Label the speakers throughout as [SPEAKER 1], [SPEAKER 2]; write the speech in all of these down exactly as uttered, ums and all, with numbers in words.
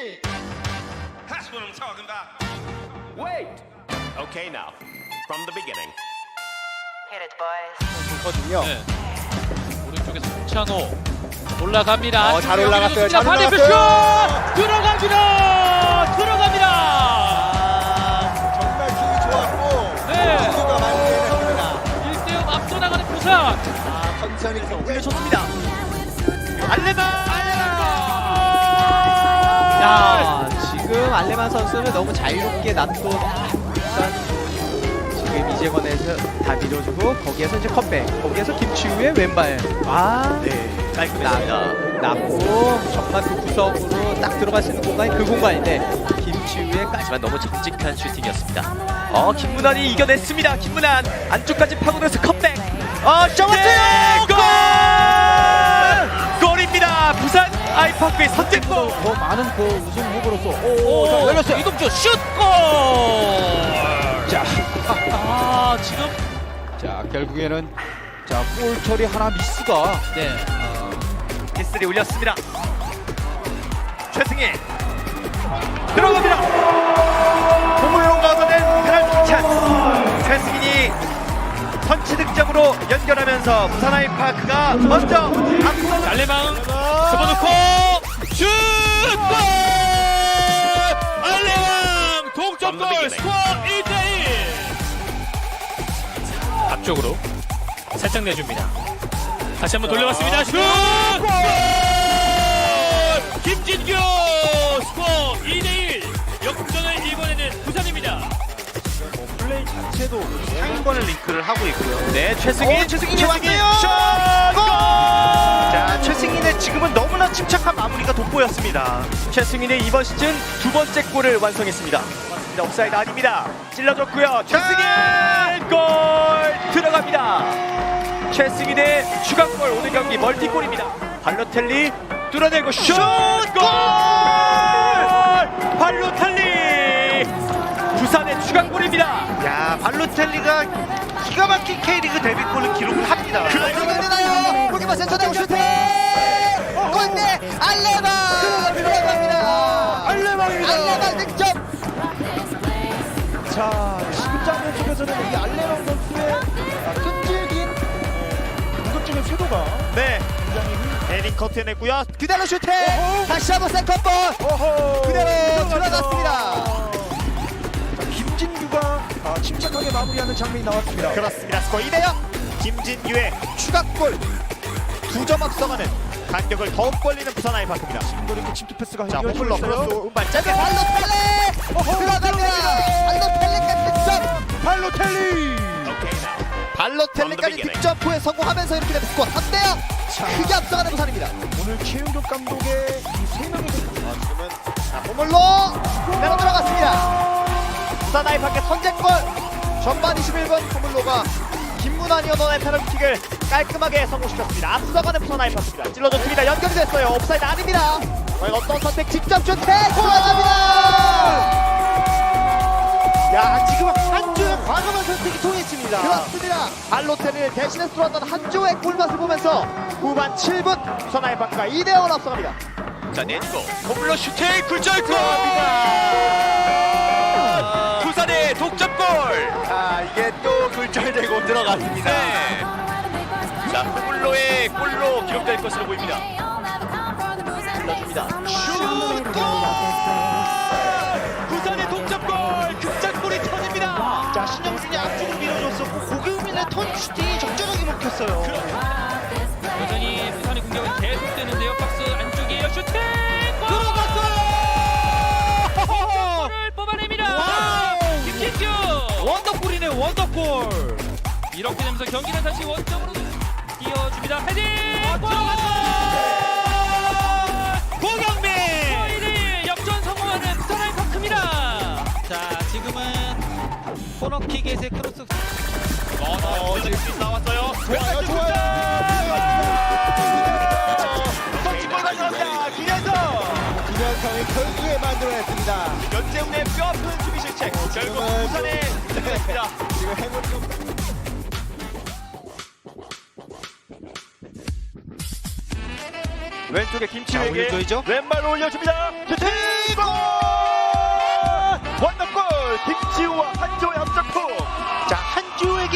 [SPEAKER 1] That's what I'm talking about.
[SPEAKER 2] Wait. Okay, now from the beginning.
[SPEAKER 3] Hit it, boys.
[SPEAKER 4] 좋거든요.
[SPEAKER 5] 네. 오른쪽에서 송찬호 올라갑니다.
[SPEAKER 4] 어, 잘 올라갔어요. 잘
[SPEAKER 5] 반대편
[SPEAKER 4] 올라갔어요.
[SPEAKER 5] 슛! 들어갑니다. 들어갑니다.
[SPEAKER 4] 아, 정말 힘이 좋았고
[SPEAKER 5] 네.
[SPEAKER 4] 선수가 많이 내렸습니다.
[SPEAKER 5] 일 대 영 앞서 나가는 부산.
[SPEAKER 4] 아, 천천히 올려줬습니다.
[SPEAKER 5] 알레만.
[SPEAKER 6] 야, 지금 알레만 선수는 너무 자유롭게 놔둬 일단 지금 이재권에서 다 밀어주고 거기에서 이제 컵백, 거기에서 김치우의 왼발. 아,
[SPEAKER 4] 네.
[SPEAKER 6] 깔끔했습니다. 낮고 정말 그 구석으로 딱 들어갈 수 있는 공간이 그 공간인데 김치우의까지만 너무 정직한 슈팅이었습니다. 어, 김문환이 이겨냈습니다. 김문환 안쪽까지 파고들어서 컵백. 어, 잡았어요. 골! 골입니다. 부산 아이파크의 선제골.
[SPEAKER 4] 더 많은 그 우승 후보로서
[SPEAKER 5] 오,
[SPEAKER 4] 자, 열렸어요.
[SPEAKER 5] 이동주 슛 골.
[SPEAKER 4] 자,
[SPEAKER 5] 아, 지금
[SPEAKER 4] 자 결국에는 자 골 처리 하나 미스가
[SPEAKER 5] 네.
[SPEAKER 6] 키스리 올렸습니다. 최승희 들어갑니다. 보물로 얻어낸 페널티 찬스. 최승희이 선취 득점으로 연결하면서 부산 아이파크가 먼저 앞서
[SPEAKER 5] 알레망 접어놓고 슛 골. 알레망 동점골 스코어 일 대 일. 앞쪽으로 살짝 내줍니다. 다시 한번 돌려봤습니다. 슛! 골! 김진규! 스코어 이 대 일. 역전을 이번에는 부산입니다.
[SPEAKER 4] 플레이 자체도 상위권을 링크를 하고 있고요.
[SPEAKER 6] 네, 최승희, 최승희 왔네요.
[SPEAKER 4] 골!
[SPEAKER 6] 자, 최승희는 지금은 너무나 침착한 마무리가 돋보였습니다. 최승희는 이번 시즌 두 번째 골을 완성했습니다. 맞습니다. 옵사이드 아닙니다. 찔러줬고요. 최승희 골 들어갑니다. 최승희의 추가골 오늘 경기 멀티골입니다. 발로텔리 뚫어내고 슛! 골! 발로텔리 부산의 추가골입니다.
[SPEAKER 4] 야 발로텔리가 기가 막힌 K리그 데뷔골을 기록을 합니다.
[SPEAKER 7] 들어갑니다요. 골키퍼 센터 내고 슈팅. 골대 알레만 들어갑니다.
[SPEAKER 4] 알레망입니다.
[SPEAKER 7] 알레만 득점.
[SPEAKER 4] 자 지금 장면 속에서는 이 알레망 선수의 아, 끈질긴 공격적인 쇄도가
[SPEAKER 6] 네,
[SPEAKER 4] 굉장히
[SPEAKER 6] 에릭 커트해냈고요.
[SPEAKER 7] 그대로 슈팅.
[SPEAKER 4] 어허.
[SPEAKER 7] 다시 한번 세컨볼.
[SPEAKER 4] 어허.
[SPEAKER 7] 그대로 들어갔습니다.
[SPEAKER 4] 자, 김진규가 아, 침착하게 마무리하는 장면이 나왔습니다.
[SPEAKER 6] 그렇습니다. 스코어 이 대 영. 김진규의 추가골 두 점 앞서가는 간격을 더욱 벌리는 부산 아이파크입니다.
[SPEAKER 4] 지금도 이렇게 침투 패스가
[SPEAKER 6] 자,
[SPEAKER 4] 이어지고
[SPEAKER 6] 홈플러
[SPEAKER 4] 있어요.
[SPEAKER 6] 크로스 운발
[SPEAKER 7] 자,
[SPEAKER 6] 짧게
[SPEAKER 7] 발로텔리 들어갑니다. 발로텔리까지 득점.
[SPEAKER 4] 발로텔리.
[SPEAKER 7] 발로텔리까지 득점 후에 성공하면서 이렇게 되면 스코어 삼 대 영. 크게 앞서가는 부산입니다.
[SPEAKER 4] 오늘 최윤경 감독의 이 세 명의
[SPEAKER 7] 아, 지금은 자, 보물로 내려 들어갔습니다. 부산 아이파크의 선제골. 전반 이십일 분 보물로가 김문환이 얻어낸 페널티킥을 깔끔하게 성공시켰습니다. 앞서가는 부산 아이파크입니다. 찔러줬습니다. 연결이 됐어요. 옵사이드 아닙니다. 과연 어떤 선택 직접 슈팅 들어갑니다.
[SPEAKER 4] 야 지금 한주의 과감한 선택이 통했습니다.
[SPEAKER 7] 그렇습니다. 발로텔리를 대신해서 들어왔던 한조의 골맛을 보면서 후반 칠 분 부산 아이파크가 이 대 영으로 앞서갑니다.
[SPEAKER 6] 자, 내주고 홈플러 슈팅 굴절골! 부산의 독점골!
[SPEAKER 4] 아 이게 또 굴절되고 들어갔습니다.
[SPEAKER 6] 네. 자, 홈플러의 골로 기록될 것으로 보입니다.
[SPEAKER 7] 불러줍니다.
[SPEAKER 6] 슛골! 부산의 독점골! 극장골이 터집니다!
[SPEAKER 4] 자 신영준이 앞쪽으로 밀어줬었고 고경민의 턴 슈팅이 적절하게 먹혔어요.
[SPEAKER 5] 여전히 부산의 공격은 계속되는데요. 박스 안쪽이에요. 슈팅!
[SPEAKER 4] 들어갔어요.
[SPEAKER 5] 골을 뽑아냅니다. 김진규 원더골이네. 원더골. 이렇게 되면서 경기는 다시 원점으로 띄워줍니다. 헤딩! 골! 고경민! 일 대 일 역전 성공하는 부산 아이파크입니다. 자, 지금은 코너킥에서 크로스.
[SPEAKER 6] 어, 지금 나왔어요.
[SPEAKER 4] 좋아요 좋아요.
[SPEAKER 6] 선취골 가져갑니다. 김현성!
[SPEAKER 4] 김현성이 결국에 만들어냈습니다.
[SPEAKER 6] 연재훈의 뼈아픈 수비 실책. 결국
[SPEAKER 4] 지금은-
[SPEAKER 6] 부산에 승리했습니다.
[SPEAKER 4] 지금 행운 좀
[SPEAKER 6] 왼쪽에
[SPEAKER 4] 자,
[SPEAKER 6] 김치우에게
[SPEAKER 4] 올려줘야죠.
[SPEAKER 6] 왼발로 올려줍니다. 슈팅! 골!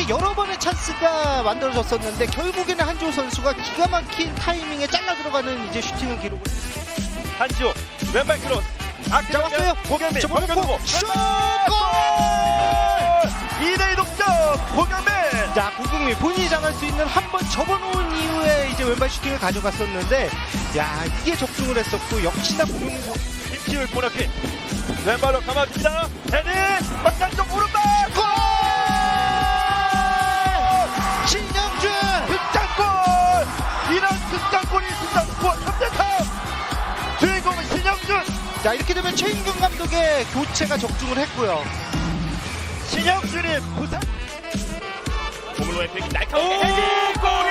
[SPEAKER 4] 이게 여러 번의 찬스가 만들어졌었는데 결국에는 한지호 선수가 기가 막힌 타이밍에 잘라 들어가는 이제 슈팅을 기록을
[SPEAKER 6] 한지호 왼발 크로스.
[SPEAKER 4] 잡았어요.
[SPEAKER 6] 고경민
[SPEAKER 4] 저
[SPEAKER 6] 벗겨두고
[SPEAKER 4] 슛!
[SPEAKER 6] 이 대 이 동점. 고경민.
[SPEAKER 4] 자, 고경민 본인이 잡을 수 있는 한 번 접어놓은 이후에 이제 왼발 슈팅을 가져갔었는데, 야, 이게 적중을 했었고 역시나 고경민 선수
[SPEAKER 6] 김치울 보너킥. 왼발로 감아줍니다. 헤딩. 바깥쪽 오른발.
[SPEAKER 4] 골! 신영준!
[SPEAKER 6] 극장골. 이런 극장골이 있습니다. 스코어 삼 대 삼. 주인공은 신영준.
[SPEAKER 4] 자, 이렇게 되면 최인경 감독의 교체가 적중을 했고요.
[SPEAKER 6] 신영준이 부산.
[SPEAKER 2] 고물로의 팩이 날카롭게
[SPEAKER 6] 오!
[SPEAKER 2] 헤딩!
[SPEAKER 6] 골!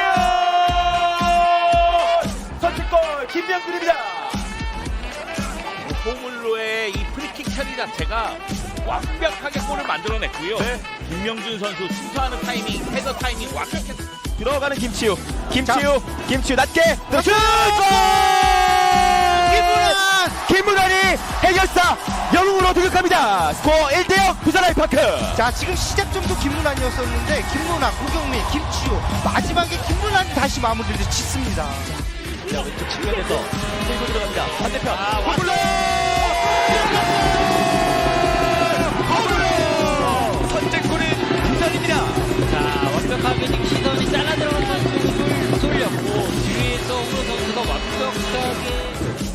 [SPEAKER 6] 선취골 김명준입니다.
[SPEAKER 2] 고물로의 이 프리킥 처리 자체가 완벽하게 골을 만들어냈고요.
[SPEAKER 6] 네.
[SPEAKER 2] 김명준 선수 순서하는 타이밍, 헤더 타이밍 완벽했습니다.
[SPEAKER 6] 들어가는 김치우. 김치우. 김치우 낮게. 슛!
[SPEAKER 4] 김문환!
[SPEAKER 6] 김문환이 해결사 영웅으로 도격합니다. 스코어 일 대 영 부산 아이파크.
[SPEAKER 4] 자, 지금 시작점도 김문환이었었는데 김문환, 고경민, 김치호 마지막에 김문환이 다시 마무리를 짓습니다.
[SPEAKER 6] 자, 왼쪽 측면에서 들고 들어갑니다. 반대편.
[SPEAKER 2] 아,
[SPEAKER 6] 고물로! 고물로! 선제골은 부산입니다.
[SPEAKER 5] 자, 완벽하게 지금 시선이 잘라 들어간 선수를 쏠렸고 뒤에서 홍로 선수가 완벽하게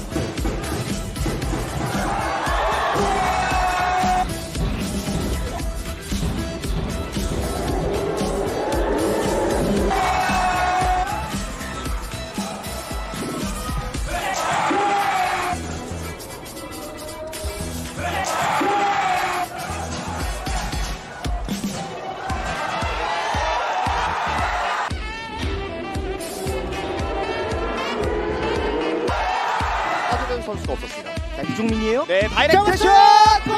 [SPEAKER 7] 빠지는 선수가 없었습니다.
[SPEAKER 4] 자, 이종민이에요.
[SPEAKER 7] 네, 다이렉트 슛! 골!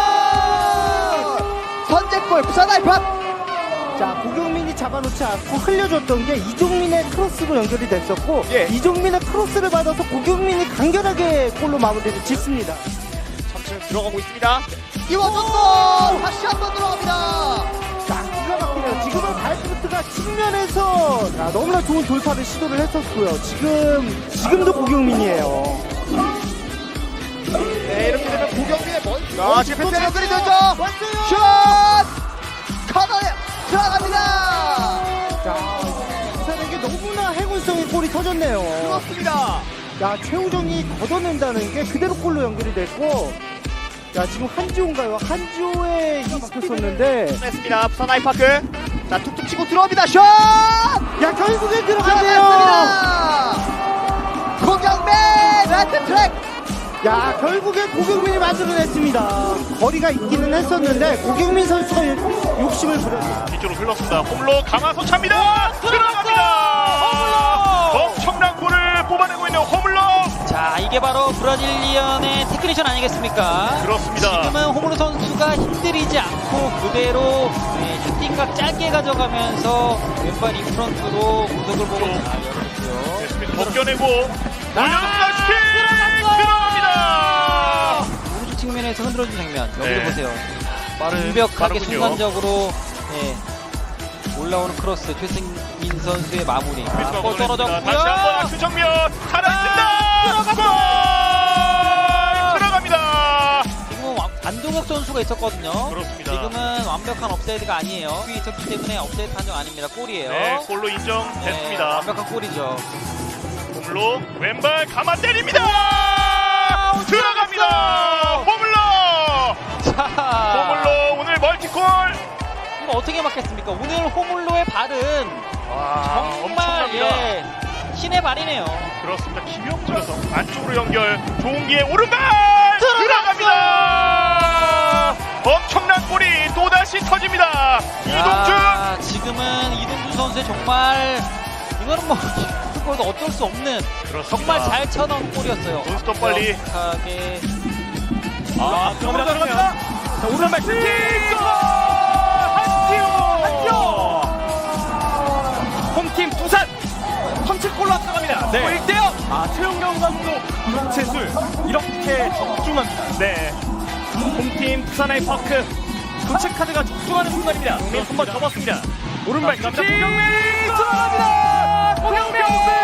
[SPEAKER 7] 선제골 부산 아이파크.
[SPEAKER 4] 자, 고경민이 잡아놓지 않고 흘려줬던 게 이종민의 크로스로 연결이 됐었고,
[SPEAKER 7] 예.
[SPEAKER 4] 이종민의 크로스를 받아서 고경민이 간결하게 골로 마무리를 짓습니다.
[SPEAKER 7] 점점 들어가고 있습니다. 이원정골 다시 한 번 들어갑니다.
[SPEAKER 4] 자, 기가 막히네요. 지금은 발프트가 측면에서 야, 너무나 좋은 돌파를 시도를 했었고요. 지금, 지금도 고경민이에요.
[SPEAKER 7] 네, 이렇게 되면 고경민의 먼.
[SPEAKER 4] 아,
[SPEAKER 7] 지금
[SPEAKER 4] 또
[SPEAKER 7] 패스 연결이
[SPEAKER 4] 됐어요.
[SPEAKER 7] 되죠.
[SPEAKER 4] 왔어요.
[SPEAKER 7] 슛! 커너에 들어갑니다.
[SPEAKER 4] 자, 부산에게 너무나 행운성의 골이 터졌네요.
[SPEAKER 7] 그렇습니다.
[SPEAKER 4] 야, 최우정이 걷어낸다는 게 그대로 골로 연결이 됐고, 야, 지금 한지호인가요? 한지호에 이스켰었는데,
[SPEAKER 7] 했습니다. 부산 아이파크. 자, 툭툭 치고 들어옵니다. 슛!
[SPEAKER 4] 야, 결국엔 들어가네요.
[SPEAKER 7] 들어갔습니다. 고경민 레드 트랙.
[SPEAKER 4] 야, 결국엔 고경민이 만들어냈습니다. 거리가 있기는 했었는데, 고경민 선수가 욕- 욕심을 부렸어요.
[SPEAKER 2] 뒤쪽으로 흘렀습니다. 홈로 강화소 찹니다. 들어갑니다. 엄청난 골을 뽑아내고 있는 홈로.
[SPEAKER 5] 자, 이게 바로 브라질리언의 테크니션 아니겠습니까?
[SPEAKER 2] 그렇습니다.
[SPEAKER 5] 지금은 홍로 선수가 힘들이지 않고 그대로 네, 슈팅각 짧게 가져가면서 왼발 인프런트로 구석을 보고 잘 열었고요.
[SPEAKER 2] 벗겨내고 올려놓습니다. 슈팅 들어갑니다.
[SPEAKER 5] 오른쪽 측면에서 흔들어준 장면 여기를
[SPEAKER 2] 네.
[SPEAKER 5] 보세요.
[SPEAKER 2] 빠른,
[SPEAKER 5] 완벽하게
[SPEAKER 2] 빠르군요.
[SPEAKER 5] 순간적으로 네, 올라오는 크로스 최승민 선수의 마무리. 아, 골 떨어졌고요.
[SPEAKER 2] 다시 한번 악수 정면 살아있습니다. 골 들어갑니다.
[SPEAKER 5] 지금은 완- 안동혁 선수가 있었거든요.
[SPEAKER 2] 그렇습니다.
[SPEAKER 5] 지금은 완벽한 업사이드가 아니에요. 위 있었기 때문에 업사이드 판정 아닙니다. 골이에요.
[SPEAKER 2] 네, 골로
[SPEAKER 5] 네,
[SPEAKER 2] 인정됐습니다.
[SPEAKER 5] 완벽한 골이죠.
[SPEAKER 2] 홈로 왼발 감아 때립니다. 들어갑니다. 홈로.
[SPEAKER 5] 자,
[SPEAKER 2] 홈로 오늘 멀티골.
[SPEAKER 5] 이거 어떻게 막겠습니까? 오늘 호물로의 발은
[SPEAKER 2] 와,
[SPEAKER 5] 정말
[SPEAKER 2] 엄청납니다.
[SPEAKER 5] 예, 신의 발이네요.
[SPEAKER 2] 그렇습니다. 김영준에서 안쪽으로 연결. 종기의 오른발 들어갑니다. 엄청난 골이 또다시 터집니다. 이동준.
[SPEAKER 5] 아, 지금은 이동준 선수의 정말 이거는 뭐 골도 어쩔 수 없는
[SPEAKER 2] 그렇습니다.
[SPEAKER 5] 정말 잘 쳐넣은 골이었어요.
[SPEAKER 2] 논스톱 빨리.
[SPEAKER 5] 완벽하게
[SPEAKER 2] 아, 들어갑니다. 들어갑니다.
[SPEAKER 6] 자, 오른발 슈팅! 골! 한지호! 한지호! 홈팀 부산! 선취골로 앞서갑니다.
[SPEAKER 2] 네.
[SPEAKER 6] 일 대 영! 아, 최용경 감독 교체술 이렇게 적중합니다.
[SPEAKER 2] 네.
[SPEAKER 6] 홈팀 부산 아이파크 교체 카드가 적중하는 순간입니다. 한번 접었습니다. 오른발 슈팅 들어갑니다. 고경민!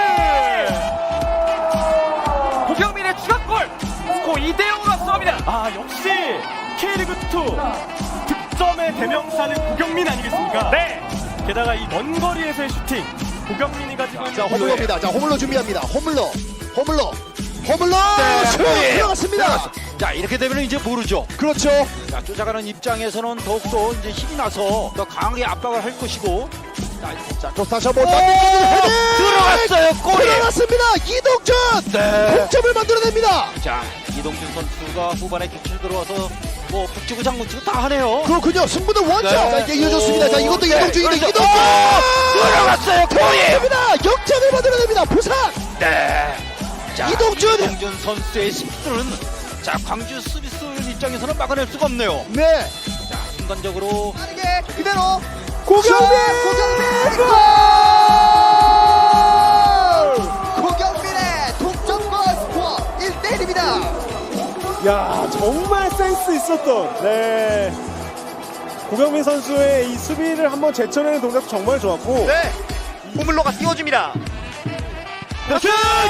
[SPEAKER 6] 고경민의 추가골! 스코어 이 대 영으로 앞서갑니다. 아 역시 K리그 투 득점의 대명사는 고경민 아니겠습니까? 네. 게다가 이 먼 거리에서의 슈팅 고경민이 가지고 있는
[SPEAKER 1] 자, 호물로입니다. 자, 호물로 준비합니다. 호물로, 호물로, 호물로 슛 들어갔습니다.
[SPEAKER 8] 자, 이렇게 되면 이제 모르죠.
[SPEAKER 1] 그렇죠.
[SPEAKER 8] 자, 쫓아가는 입장에서는 더욱더 이제 힘이 나서 더 강하게 압박을 할 것이고.
[SPEAKER 1] 자, 또 다시 한번 단계적인 헤딩
[SPEAKER 8] 들어갔어요. 골이.
[SPEAKER 1] 들어갔습니다. 이동준
[SPEAKER 8] 네.
[SPEAKER 1] 동점을 만들어냅니다.
[SPEAKER 8] 자, 이동준 선수가 후반에 교체 들어와서 뭐 북치고 장구치고 다 하네요.
[SPEAKER 1] 그렇군요. 승부는 원점.
[SPEAKER 8] 네.
[SPEAKER 1] 자, 이제 이어졌습니다. 자, 이것도
[SPEAKER 8] 네.
[SPEAKER 1] 이동준인데
[SPEAKER 8] 그렇죠.
[SPEAKER 1] 이동준
[SPEAKER 8] 들어갔어요. 골이.
[SPEAKER 1] 들어갑니다. 역전을 만들어냅니다. 부산.
[SPEAKER 8] 네. 자,
[SPEAKER 1] 이동준.
[SPEAKER 8] 이동준 선수의 스피드는 자, 광주 수비수 입장에서는 막아낼 수가 없네요.
[SPEAKER 1] 네.
[SPEAKER 8] 자, 순간적으로
[SPEAKER 7] 빠르게 그대로
[SPEAKER 1] 고경민.
[SPEAKER 7] 고경민 골! 고경민의 동점골 스코어 일 대 일입니다.
[SPEAKER 9] 야 정말 센스 있었던 네 고경민 선수의 이 수비를 한번 제쳐내는 동작도 정말 좋았고
[SPEAKER 7] 네. 호물로가 띄워줍니다.
[SPEAKER 1] 슛!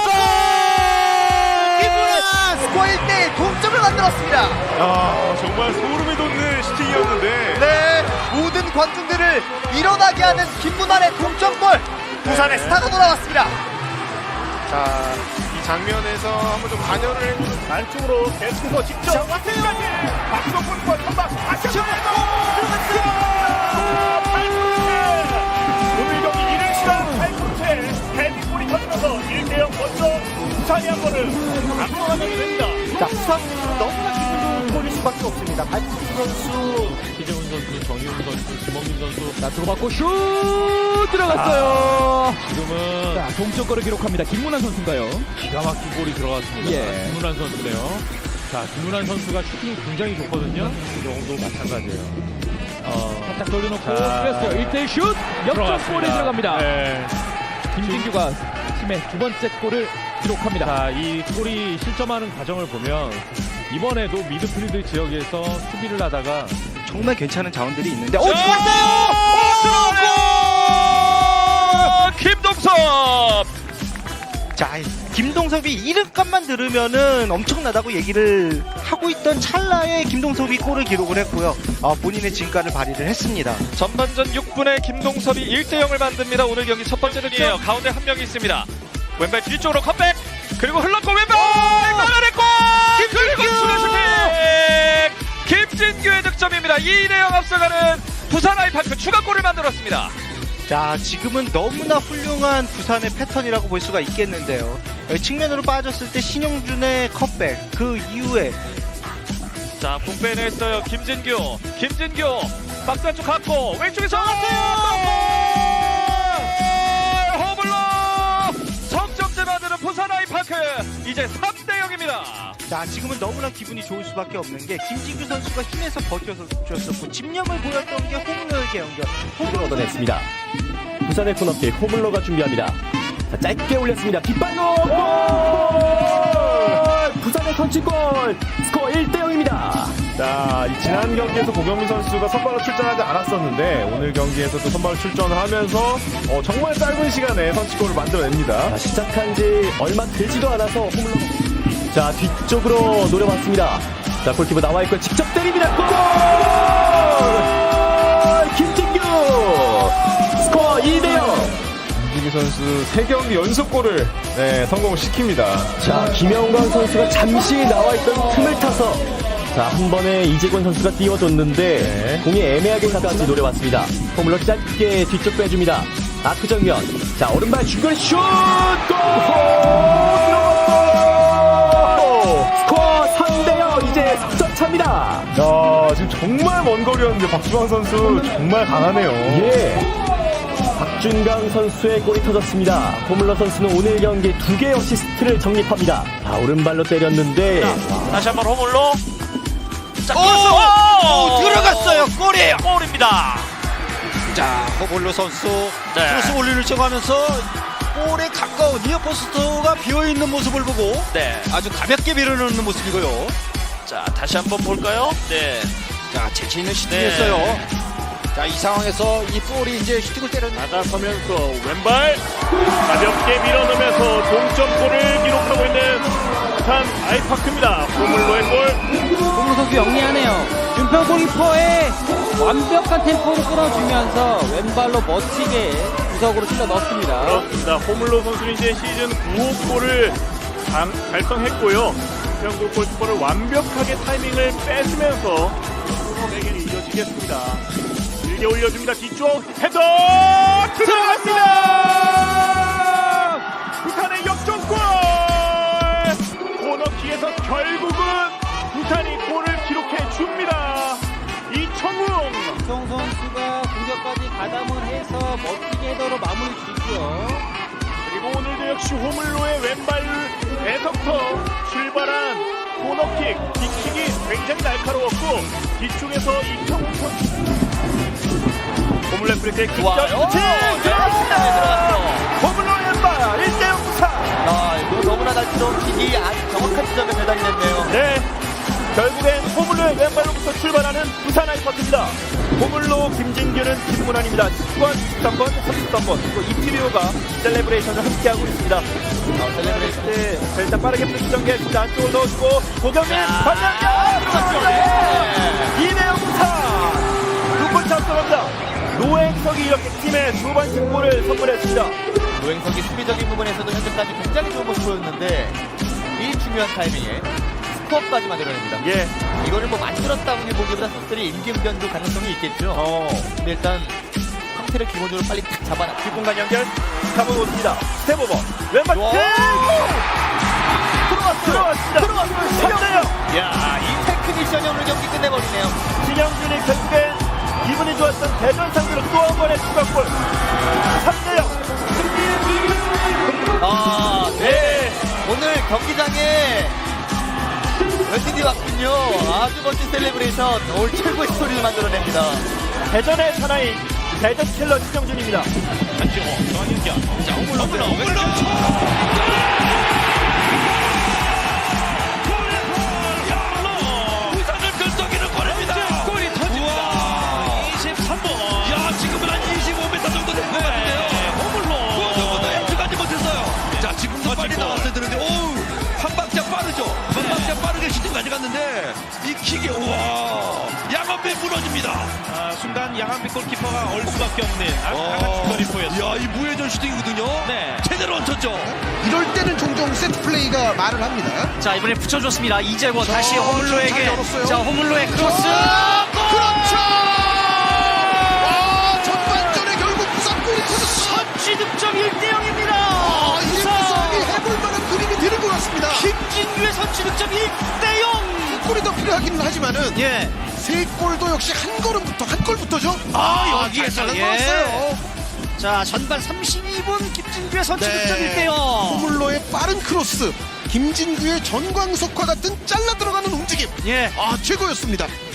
[SPEAKER 7] 스코어 일 대 일 동점을 만들었습니다.
[SPEAKER 9] 아 정말 소름이 돋는 슈팅이었는데
[SPEAKER 7] 네, 모든 관중들을 일어나게 하는 김문환의 동점골. 부산의 스타가 돌아왔습니다.
[SPEAKER 9] 자 이 장면에서 한번 좀 관여를 해주는 안쪽으로 계속해서 직접 왔습니다. 박성훈과 선박 다시 한번 들어갔어요. 팔 분째 오늘 경기 이른 시간 팔 분째 헤딩골이 터지면서 일 대 영 먼저 부산이 한 번을 앞서가게 됩니다.
[SPEAKER 7] 자, 부산 너무나 기분 좋은 골일 수밖에 없습니다. 발코스 선수,
[SPEAKER 2] 기재훈 선수, 정희훈 선수, 김원민 선수.
[SPEAKER 10] 자, 들어갔고 슛 들어갔어요.
[SPEAKER 2] 지금은
[SPEAKER 10] 자, 동점골을 기록합니다. 김문환 선수인가요?
[SPEAKER 2] 기가 막힌 골이 들어갔습니다.
[SPEAKER 10] 예.
[SPEAKER 2] 김문환 선수네요. 자, 김문환 선수가 슈팅이 굉장히 좋거든요. 이 경우도 마찬가지예요. 어,
[SPEAKER 10] 살짝 돌려놓고
[SPEAKER 2] 자,
[SPEAKER 10] 뺐어요. 일 대 일 슛 역전골이 들어갑니다.
[SPEAKER 2] 네.
[SPEAKER 10] 김진규가 팀의 두 번째 골을 기록합니다.
[SPEAKER 2] 자, 이 골이 실점하는 과정을 보면 이번에도 미드필드 지역에서 수비를 하다가
[SPEAKER 4] 정말 괜찮은 자원들이 있는데 어,
[SPEAKER 2] 자, 들어갔어요! 김동섭!
[SPEAKER 4] 자, 김동섭이 이름값만 들으면은 엄청나다고 얘기를 하고 있던 찰나에 김동섭이 골을 기록을 했고요. 아, 본인의 진가를 발휘를 했습니다.
[SPEAKER 6] 전반전 육 분에 김동섭이 일 대 영을 만듭니다. 오늘 경기 첫 번째 득점. 가운데 한 명이 있습니다. 왼발 뒤쪽으로 컵백 그리고 흘렀고 왼발 막아냈고 그리고 추가 슈팅 김진규의 득점입니다. 이 대 영 앞서가는 부산 아이파크 추가골을 만들었습니다.
[SPEAKER 4] 자, 지금은 너무나 훌륭한 부산의 패턴이라고 볼 수가 있겠는데요. 여기 측면으로 빠졌을 때 신영준의 컵백, 그 이후에
[SPEAKER 6] 자, 공 빼냈어요. 김진규. 김진규. 박스 안쪽 갖고 왼쪽에서 허블러 석점째 만드는 부산 아이파크. 이제 삼 대 영입니다.
[SPEAKER 4] 자, 지금은 너무나 기분이 좋을 수밖에 없는 게 김진규 선수가 힘에서 버텨줬었고 집념을 보였던 게 호물로에게 연결.
[SPEAKER 6] 홈을 얻어냈습니다. 부산의 코너킥 호물러가 준비합니다. 자, 짧게 올렸습니다. 뒷발로 골! 부산의 선취골. 스코어 일 대 영입니다.
[SPEAKER 9] 자, 이 지난 경기에서 고경민 선수가 선발로 출전하지 않았었는데 오늘 경기에서도 선발로 출전을 하면서 어, 정말 짧은 시간에 선취골을 만들어냅니다.
[SPEAKER 6] 자, 시작한 지 얼마 되지도 않아서 홈런. 자, 뒤쪽으로 노려봤습니다. 자, 골키퍼 나와있고 직접 때립니다. 골! 김진규! 스코어 이 대 영!
[SPEAKER 9] 김진규 선수 세 경기 연속골을 네, 성공시킵니다.
[SPEAKER 6] 자, 김영광 선수가 잠시 나와있던 틈을 타서 자, 한 번에 이재권 선수가 띄워줬는데
[SPEAKER 9] 네.
[SPEAKER 6] 공이 애매하게 가까이 노려봤습니다. 홈으로 짧게 뒤쪽 빼줍니다. 아크 정면. 자, 오른발 중거리 슛! 골! 스코어 삼 대 영. 이제 석점 차입니다.
[SPEAKER 9] 야, 지금 정말 먼 거리였는데 박주광 선수 정말 강하네요.
[SPEAKER 6] 예. 박준강 선수의 골이 터졌습니다. 호물러 선수는 오늘 경기 두 개의 어시스트를 적립합니다. 자, 오른발로 때렸는데
[SPEAKER 2] 다시 한번 호물로. 자,
[SPEAKER 8] 오!
[SPEAKER 2] 오!
[SPEAKER 8] 들어갔어요. 골이에요.
[SPEAKER 2] 골입니다.
[SPEAKER 8] 자, 허볼로 선수
[SPEAKER 2] 네.
[SPEAKER 8] 크로스 올리려고 하면서 골에 가까운 니어포스트가 비어있는 모습을 보고
[SPEAKER 2] 네.
[SPEAKER 8] 아주 가볍게 밀어넣는 모습이고요.
[SPEAKER 2] 자, 다시 한번 볼까요? 네.
[SPEAKER 8] 자, 재치 있는 슈팅이었어요. 자, 이 상황에서 이 볼이 이제 슈팅을 때려
[SPEAKER 9] 나가서면서 왼발 가볍게 밀어넣으면서 동점골을 기록하고 있는 부산 아이파크입니다. 호물로의 골.
[SPEAKER 5] 홍무 선수 영리하네요. 준평 골키퍼의 완벽한 템포를 끊어주면서 왼발로 멋지게 구석으로 찔러 넣었습니다.
[SPEAKER 9] 그렇습니다. 호물로 선수는 이제 시즌 구 호 골을 단- 달성했고요. 부산 골키퍼를 완벽하게 타이밍을 뺏으면서 내게 이어지겠습니다. 길게 올려줍니다. 뒤쪽 헤더 들어갔습니다. 부산의 역전골. 코너킥에서 결국은 부산이 골을 기록해 줍니다. 이청웅.
[SPEAKER 5] 정 선수가 공격까지 가담을 해서 멋지게 헤더로 마무리 지고요.
[SPEAKER 9] 그리고 오늘도 역시 호물로의 왼발에서부터 출발한 코너킥, 뒷킥이 굉장히 날카로웠고 뒤쪽에서 이청웅 선수 호물로 프리킥 득점 들어갔습니다. 호물로 왼발 일 대 영 부산.
[SPEAKER 7] 아, 이거 너무나 날카로운 킥이 아주 정확한 지점에 배달이 됐네요.
[SPEAKER 9] 네, 결국엔 호물로의 왼발로부터 출발하는 부산 아이파크입니다. 호물로 김진규는 김문환입니다. 십 번, 십삼 번, 삼십삼 번 그리고 이티비오가 셀레브레이션을 함께하고 있습니다. 어, 셀레브레이션 때 자, 일단 빠르게 플레이 전개했습니다. 안쪽으로 넣어주고 고경민 반장면 들어갔습니다. 이 대 영 부산 두 골차 앞서갑니다. 노행석이 이렇게 팀의 두 번째 골을 선물했습니다.
[SPEAKER 7] 노행석이 수비적인 부분에서도 현재까지 굉장히 좋은 모습 보였는데 이 중요한 타이밍에 스코어까지 만들어냅니다.
[SPEAKER 9] 예,
[SPEAKER 7] 이거를 뭐 만들었다고 보기보다 선수들이 임기응변도 가능성이 있겠죠.
[SPEAKER 9] 어,
[SPEAKER 7] 근데 일단 상태를 기본적으로 빨리 딱 잡아놔.
[SPEAKER 9] 뒷공간 연결 잡아놓습니다. 스텝 오버 왼발
[SPEAKER 7] 와.
[SPEAKER 9] 킥! 들어왔어요. 들어왔습니다. 들어왔어요. 삼 대 영.
[SPEAKER 7] 야, 이 테크니션이 오늘 경기 끝내버리네요.
[SPEAKER 9] 진영준이 결국엔 기분이 좋았던 대전 상대로 또 한 번의 추가골. 삼 대 영.
[SPEAKER 7] 아, 네. 오늘 경기장에 열심히 왔군요. 아주 멋진 셀레브레이션. 오늘 최고의 스토리를 만들어냅니다.
[SPEAKER 9] 대전의 사나이 대전 킬러 진영준입니다.
[SPEAKER 8] 부산을 긁어기는 골입니다. 골이 터집니다. 이십삼 번. 야, 지금은 한 이십오 미터 정도 된 것 같은데요. 호물로. 저보다 엔트가지 못했어요. 자, 지금도 빨리 나왔어야 되는데, 오우, 한 박자 빠르죠. 한 박자 빠르게 슈팅 가져갔는데, 이 킥이, 우와, 양한배 무너집니다.
[SPEAKER 2] 아, 순간 양한빛 골키퍼가 얼 수밖에 없는 아주 강한 골키퍼였어요.
[SPEAKER 8] 야, 이 무회전 슈팅이거든요.
[SPEAKER 2] 네.
[SPEAKER 8] 제대로 얹혔죠.
[SPEAKER 1] 이럴 때는 종종 세트 플레이가 말을 합니다.
[SPEAKER 4] 자, 이번에 붙여줬습니다. 이재권 다시 호물로에게.
[SPEAKER 1] 잘 열었어요.
[SPEAKER 4] 자, 호물로의 크로스.
[SPEAKER 1] 그렇죠. 아, 전반전에 결국 부산 골이 터졌어.
[SPEAKER 4] 선취 득점 일 대 영입니다.
[SPEAKER 1] 아, 이 부산이 해볼 만한 그림이 되는 것 같습니다.
[SPEAKER 4] 김진규의 선취 득점 일 대 영.
[SPEAKER 1] 골이 더 필요하기는 하지만은
[SPEAKER 4] 예.
[SPEAKER 1] 세 골도 역시 한 걸음부터 한 골부터죠.
[SPEAKER 4] 아,
[SPEAKER 1] 여기에서
[SPEAKER 4] 잘
[SPEAKER 1] 나왔어요.
[SPEAKER 4] 자, 전반 삼십이 분 김진규의 선취
[SPEAKER 1] 네.
[SPEAKER 4] 득점 일 대 영.
[SPEAKER 1] 호물로의 빠른 크로스, 김진규의 전광석화 같은 잘라 들어가는 움직임.
[SPEAKER 4] 예.
[SPEAKER 1] 아, 최고였습니다.